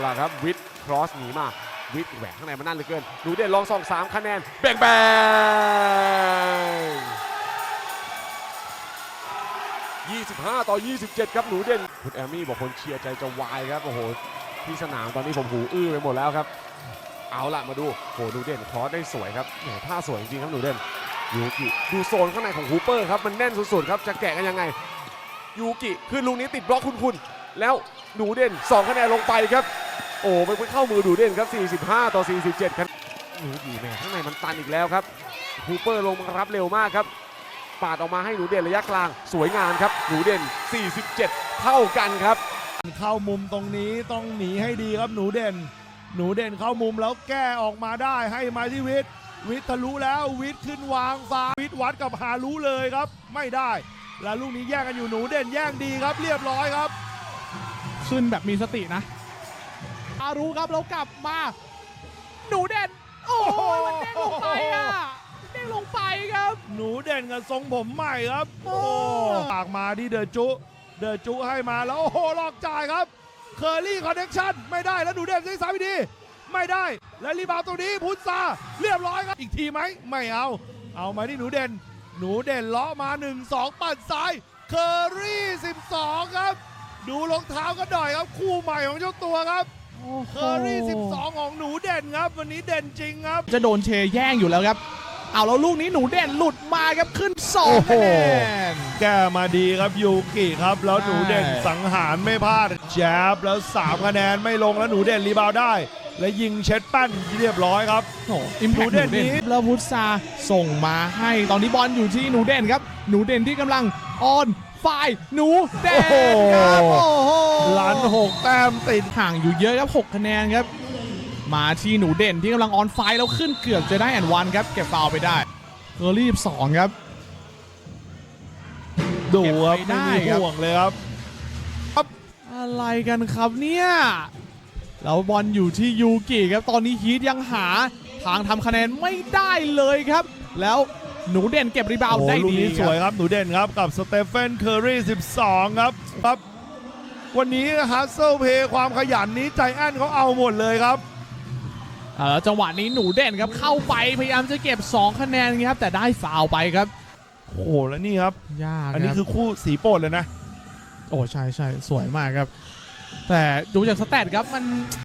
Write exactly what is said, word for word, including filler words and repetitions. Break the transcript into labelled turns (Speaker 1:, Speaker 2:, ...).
Speaker 1: ล่ะครับวิทครอสหนีมาวิทแหวกข้างในมันนั่นเหลือเกินหนูเด่นลองส่องสามคะแนนแบ่งแบ่งยี่สิบห้าต่อยี่สิบเจ็ดครับหนูเด่นคุณแอมมี่บอกคนเชียร์ใจจะวายครับโอ้โหที่สนามตอนนี้ผมหูอื้อไปหมดแล้วครับเอาล่ะมาดูโหหนูเด่นครอสได้สวยครับแหมท่าสวยจริงๆครับหนูเด่นยูกิดูโซนข้างในของฮูเปอร์ครับมันแน่นสุดๆครับจะแกะกันยังไงยูกิขึ้นลูกนี้ติดบล็อกคุณๆแล้วหนูเด่นสองคะแนนลงไปครับโอ้ไปเข้ามือหนูเด่นครับสี่สิบห้าต่อสี่สิบเจ็ดครับหนูดีแม่ข้างในมันตันอีกแล้วครับฮูเปอร์ลงมารับเร็วมากครับปาดออกมาให้หนูเด่นระยะกลางสวยงามครับหนูเด่นสี่สิบเจ็ดเท่ากันครับ
Speaker 2: เข้ามุมตรงนี้ต้องหนีให้ดีครับหนูเด่นหนูเด่นเข้ามุมแล้วแก้ออกมาได้ให้มาที่วิทย์วิทย์ทะลุแล้ววิทย์ขึ้นวางซ้ายวิทย์วัดกับฮารุเลยครับไม่ได้แล้วลูกนี้แย่งกันอยู่หนูเด่นแย่งดีครับเรียบร้อยครับ
Speaker 3: ขึ้นแบบมีสตินะฮารุครับแล้วกลับมาหนูเด่นโอ้โหมันเด้งลงไปอ่ะเด้งลงไปครับ
Speaker 2: หนูเด่นกับทรงผมใหม่ครับโอ้ปากมาที่เดอจุเดอจุให้มาแล้วโอ้โหลอกจ่ายครับเคอรี่คอนเนคชั่นไม่ได้แล้วหนูเด่นได้สามวิธีไม่ได้และรีบาวตัวนี้พุทธาเรียบร้อยครับอีกทีไหมไม่เอาเอามาที่หนูเด่นหนูเด่นเลาะมาหนึ่งสองปัดซ้ายเคอรี่สิบสองครับดูรองเท้าก็หน่อยครับคู่ใหม่ของเจ้าตัวครับเคอรี่สิบสองของหนูเด่นครับวันนี้เด่นจริงครับ
Speaker 3: จะโดนเชแย่งอยู่แล้วครับเอาแล้วลูกนี้หนูเด่นหลุดมาครับขึ้นสองคะแนน
Speaker 2: แก้มาดีครับยูกิครับแล้วหนูเด่นสังหารไม่พลาดแจบแล้วสามคะแนนไม่ลงแล้วหนูเด่นรีบาวได้และยิงเช็ดแป้นเรียบร้อยครับ
Speaker 3: โอ้อิมแพคหนูเด่นนี้แล้วพุทธาส่งมาให้ตอนนี้บอลอยู่ที่หนูเด่นครับหนูเด่นที่กำลังออนฝ่ายหนูเด่นครับโอ้โห
Speaker 2: ล้านหกแต้มติด
Speaker 3: ห่างอยู่เยอะครับหกคะแนนครับมาที่หนูเด่นที่กำลังออนไฟแล้วขึ้นเกือบจะได้แอนวันครับเก็บฟาวไปได้เคอรี่สองครับ
Speaker 2: ดูครับไม่มีห่วงเลยครับ
Speaker 3: อะไรกันครับเนี่ยแล้วบอลอยู่ที่ยูกิครับตอนนี้ฮีทยังหาทางทำคะแนนไม่ได้เลยครับแล้วหนูเด่นเก็บรีบาวด์ได้ดี
Speaker 2: สวยครับหนูเด่นครับกับสเตเฟนเคอรี่สิบสองครับครับวันนี้ฮัสเซิลเพย์ความขยันนี้ใจแอนเขาเอาหมดเลยครับ
Speaker 3: แล้วจังหวะนี้หนูเด่นครับเข้าไปพยายามจะเก็บสองคะแนนครับแต่ได้ฟาวไปครับ
Speaker 2: โอ้โหแล้วนี่ครับ
Speaker 3: ยาก
Speaker 2: อันนี้คือคู่สีโปรดเลยนะ
Speaker 3: โอ้ใช่ใช่สวยมากครับแต่ดูจากสแตทครับมัน